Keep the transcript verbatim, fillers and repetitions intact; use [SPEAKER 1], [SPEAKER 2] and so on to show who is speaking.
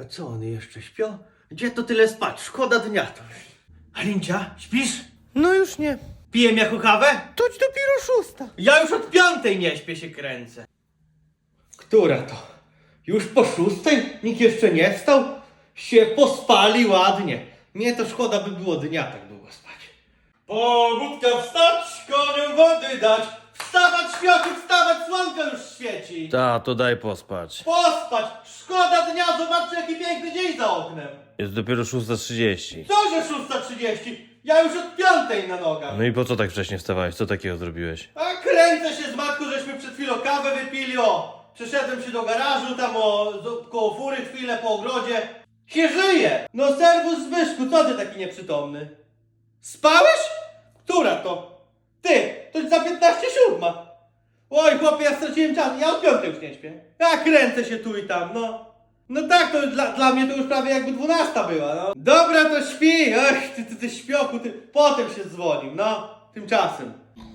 [SPEAKER 1] A co, one jeszcze śpią? Gdzie to tyle spać? Szkoda dnia to. Alincia, śpisz?
[SPEAKER 2] No już nie.
[SPEAKER 1] Pijem jako kawę?
[SPEAKER 2] Toć dopiero szósta.
[SPEAKER 1] Ja już od piątej nie śpię, się kręcę. Która to? Już po szóstej? Nikt jeszcze nie wstał? Się pospali ładnie. Mnie to szkoda by było dnia tak długo spać. Pobudka wstać, koniom wody dać. Wstawać światu, wstawać, słonko już świeci.
[SPEAKER 3] Ta, to daj pospać.
[SPEAKER 1] Pospać, szkoda dnia, zobaczcie jaki piękny dzień za oknem.
[SPEAKER 3] Jest dopiero szósta trzydzieści.
[SPEAKER 1] Co, że szósta trzydzieści? Ja już od piątej na nogach.
[SPEAKER 3] No i po co tak wcześnie wstawałeś? Co takiego zrobiłeś?
[SPEAKER 1] A kręcę się z matką, żeśmy przed chwilą kawę wypili, o! Przeszedłem się do garażu, tam o, z- koło fury chwilę po ogrodzie. Się żyje! No serwus Zbyszku, co ty taki nieprzytomny? Spałeś? Która to? Ty, to za piętnaście siódma. Oj chłopie, ja straciłem czas, ja od piątej już nie śpię. Ja kręcę się tu i tam, no. No tak, to dla, dla mnie to już prawie jakby dwunasta była, no. Dobra, to śpi, ach, ty, ty, ty śpiochu, ty, potem się dzwonił, no, tymczasem.